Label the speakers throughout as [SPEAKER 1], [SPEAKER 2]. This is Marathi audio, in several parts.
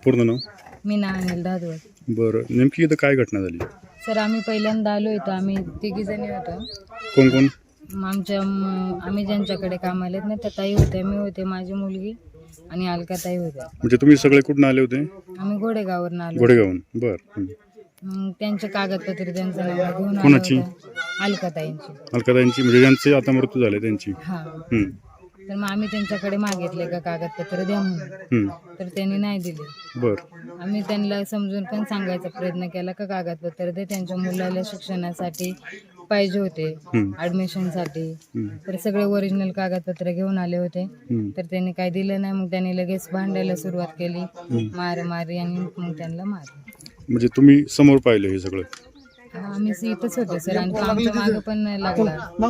[SPEAKER 1] पूर्ण नाव?
[SPEAKER 2] मीना अनिल धादवड.
[SPEAKER 1] बरं, नेमकी इथं काय घटना झाली?
[SPEAKER 2] सर आम्ही पहिल्यांदा आलो होतो, आम्ही तिघीजणी होतो.
[SPEAKER 1] कोण कोण?
[SPEAKER 2] आम्ही ज्यांच्याकडे कामाला आहेत ना त्या ताई होत्या, मी होते, माझी मुलगी आणि अलका ताई होत्या.
[SPEAKER 1] म्हणजे तुम्ही सगळे कुठून आले होते?
[SPEAKER 2] आम्ही घोडेगाववरून आलो.
[SPEAKER 1] घोडेगावून. बरं.
[SPEAKER 2] मग त्यांचे कागदपत्र त्यांचं नाव घेऊन आलो
[SPEAKER 1] कोणाची?
[SPEAKER 2] होतो. अलका ताईंची.
[SPEAKER 1] अलकाताईंची, म्हणजे ज्यांचे आता मृत्यू झाले त्यांची?
[SPEAKER 2] हा.
[SPEAKER 1] हं.
[SPEAKER 2] तर मग आम्ही त्यांच्याकडे मागितले का कागदपत्र द्या म्हणून,
[SPEAKER 1] हं.
[SPEAKER 2] तर त्यांनी नाही दिले.
[SPEAKER 1] बरं.
[SPEAKER 2] आम्ही त्यांना समजून पण सांगायचा प्रयत्न केला का कागदपत्र दे, त्यांच्या मुलाला शिक्षणासाठी पाहिजे होते, ॲडमिशनसाठी. तर सगळे ओरिजिनल कागदपत्र घेऊन आले होते, तर त्यांनी काय दिलं नाही. मग त्यांनी लगेच भांडायला सुरुवात केली, मारामारी, आणि मग त्यांना मारलं.
[SPEAKER 1] म्हणजे तुम्ही समोर पाहिलं हे सगळं?
[SPEAKER 2] आम्ही इथंच होते सर, आणि तो आमच्या मागं पण लागला.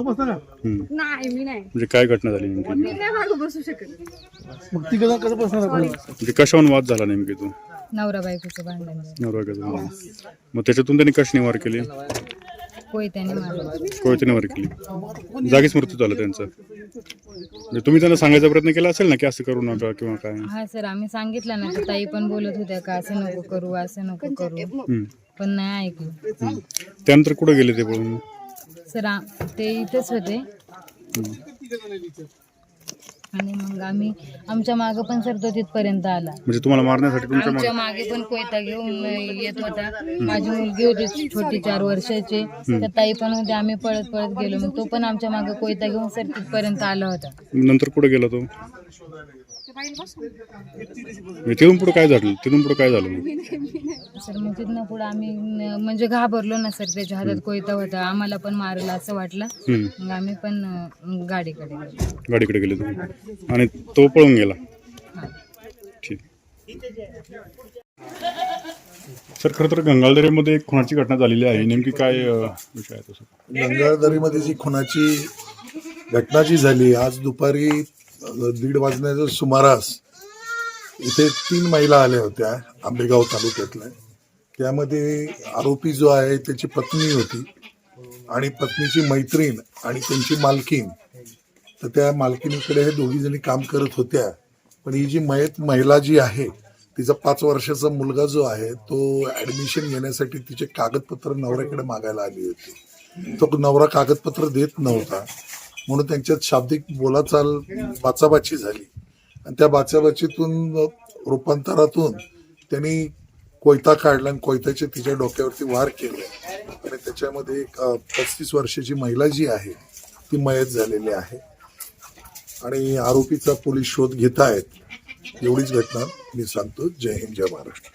[SPEAKER 1] म्हणजे काय घटना झाली नेमकी? म्हणजे कशावरून वाद झाला नेमकी? तो
[SPEAKER 2] नवरा बायकोचं भांडण झालं.
[SPEAKER 1] नवरा. मग त्याच्यातून त्यांनी कशी निवार केली?
[SPEAKER 2] कोयत्याने मारलं.
[SPEAKER 1] कोयत्याने निवार केली, जागीच मृत्यू झाला त्यांचा. म्हणजे तुम्ही त्यांना सांगायचा प्रयत्न केला असेल ना की असं करू नका किंवा काय?
[SPEAKER 2] हा सर, आम्ही सांगितलं ना, तर ताई पण बोलत होत्या का असं नको करू, असं नको करू, पण नाही ऐकलं.
[SPEAKER 1] त्यानंतर कुठे गेले ते पळून?
[SPEAKER 2] सर ते इथेच होते, आणि मग आमच्या मागे पण सर तो तिथपर्यंत आला.
[SPEAKER 1] म्हणजे तुम्हाला मारण्यासाठी
[SPEAKER 2] आमच्या मागे पण कोयता घेऊन येत होता. माझी मुलगी होती छोटी 4 वर्षाची, तर ताई पण होते. आम्ही पळत पळत गेलो, मग तो पण आमच्या मागे कोयता घेऊन सर तिथपर्यंत आला होता.
[SPEAKER 1] नंतर कुठे गेला तो? तिथून पुढे काय झालं?
[SPEAKER 2] सर मग तिथनं पुढे आम्ही म्हणजे घाबरलो ना सर, त्याच्या हातात कोयता होता, आम्हाला पण मारला असं वाटलं. मग आम्ही पण गाडीकडे
[SPEAKER 1] गेले तुम्ही, आणि तो पळून गेला? ठीक. सर, खरं तर गंगाळदरीमध्ये एक खुनाची घटना झालेली आहे, नेमकी काय विषय आहे तसं?
[SPEAKER 3] गंगाळदरीमध्ये जी खुनाची घटना जी झाली आज दुपारी 1:30 वाजण्याच्या सुमारास, इथे 3 महिला आल्या होत्या आंबेगाव तालुक्यातल्या. त्यामध्ये आरोपी जो आहे त्याची पत्नी होती, आणि पत्नीची मैत्रीण आणि त्यांची मालकीन. तर त्या मालकीनीकडे हे दोघी जणी काम करत होत्या. पण ही जी महिला जी आहे, तिचा 5 वर्षाचा मुलगा जो आहे तो ॲडमिशन घेण्यासाठी तिचे कागदपत्र नवऱ्याकडे मागायला आली होती. तो नवरा कागदपत्र देत नव्हता, म्हणून त्यांच्यात शाब्दिक बोलाचाल बाचाबाची झाली, आणि त्या बाचाबाचीतून रूपांतरातून त्यांनी कोयता काढला आणि कोयत्याचे तिच्या डोक्यावरती वार केले, आणि त्याच्यामध्ये एक 35 वर्षाची महिला जी आहे ती मयत झालेली आहे, आणि आरोपीचा पोलीस शोध घेत आहेत. एवढीच घटना मी सांगतो. जय हिंद, जय महाराष्ट्र.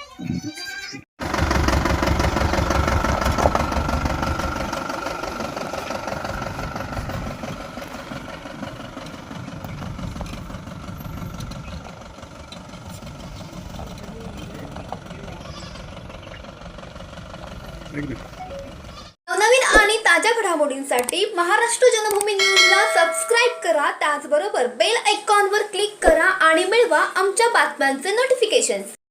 [SPEAKER 4] नवनवीन आणि ताज्या घडामोडींसाठी महाराष्ट्र जनभूमी न्यूजला सबस्क्राईब करा. त्याचबरोबर बेल आयकॉनवर क्लिक करा आणि मिळवा आमच्या बातम्यांचे नोटिफिकेशन्स.